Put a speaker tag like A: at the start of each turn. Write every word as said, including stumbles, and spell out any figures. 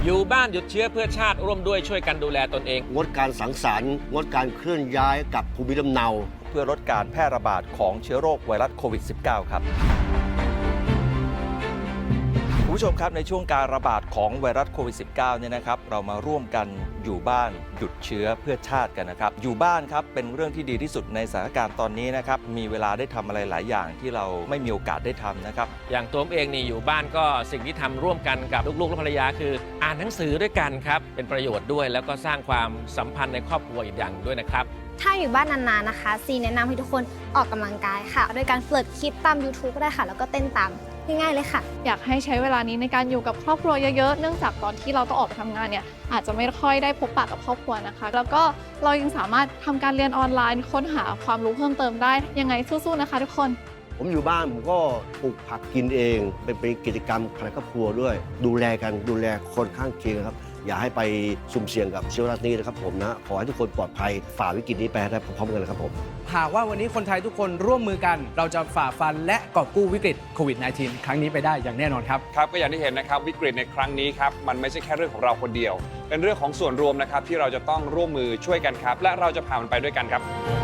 A: อยู่บ้านหยุดเชื้อเพื่อชาติร่วมด้วยช่วยกันดูแลตนเอง
B: งดการสังสรรค์งดการเคลื่อนย้ายกับภูมิลำเนา
C: เพื่อลดการแพร่ระบาดของเชื้อโรคไวรัสโควิด สิบเก้า ครับคุณผู้ชมครับในช่วงการระบาดของไวรัสโควิด สิบเก้า เนี่ยนะครับเรามาร่วมกันอยู่บ้านหยุดเชื้อเพื่อชาติกันนะครับอยู่บ้านครับเป็นเรื่องที่ดีที่สุดในสถานการณ์ตอนนี้นะครับมีเวลาได้ทำอะไรหลายอย่างที่เราไม่มีโอกาสได้ทำนะครับ
A: อย่างตัวผมเองนี่อยู่บ้านก็สิ่งที่ทำร่วมกันกับลูกๆและภรรยาคืออ่านหนังสือด้วยกันครับเป็นประโยชน์ด้วยแล้วก็สร้างความสัมพันธ์ในครอบครัวอีกอย่างด้วยนะครับ
D: ถ้าอยู่บ้านนานๆนะคะซีแนะนำให้ทุกคนออกกำลังกายค่ะโดยการเปิดคลิปตาม ยูทูบ ก็ได้ค่ะแล้วก็เต้นตามง่ายๆเลยค่ะ
E: อยากให้ใช้เวลานี้ในการอยู่กับครอบครัวเยอะๆเนื่องจากตอนที่เราต้องออกไปทำงานเนี่ยอาจจะไม่ค่อยได้พบปะกับครอบครัวนะคะแล้วก็เรายังสามารถทำการเรียนออนไลน์ค้นหาความรู้เพิ่มเติมได้ยังไงสู้ๆนะคะทุกคน
B: ผมอยู่บ้านผมก็ปลูกผักกินเองเป็นเป็นกิจกรรมภายในครอบครัวด้วยดูแลกันดูแลคนข้างเคียงครับอย่าให้ไปสุ่มเสี่ยงกับเชื้อไวรัสนี้นะครับผมนะขอให้ทุกคนปลอดภัยฝ่าวิกฤตนี้ไปได้พร้อมๆกันนะครับผม
F: หากว่าวันนี้คนไทยทุกคนร่วมมือกันเราจะฝ่าฟันและกอบกู้วิกฤตโควิด สิบเก้า ครั้งนี้ไปได้อย่างแน่นอนครับ
G: ครับก็อย่างที่เห็นนะครับวิกฤตในครั้งนี้ครับมันไม่ใช่แค่เรื่องของเราคนเดียวเป็นเรื่องของส่วนรวมนะครับที่เราจะต้องร่วมมือช่วยกันครับและเราจะผ่านมันไปด้วยกันครับ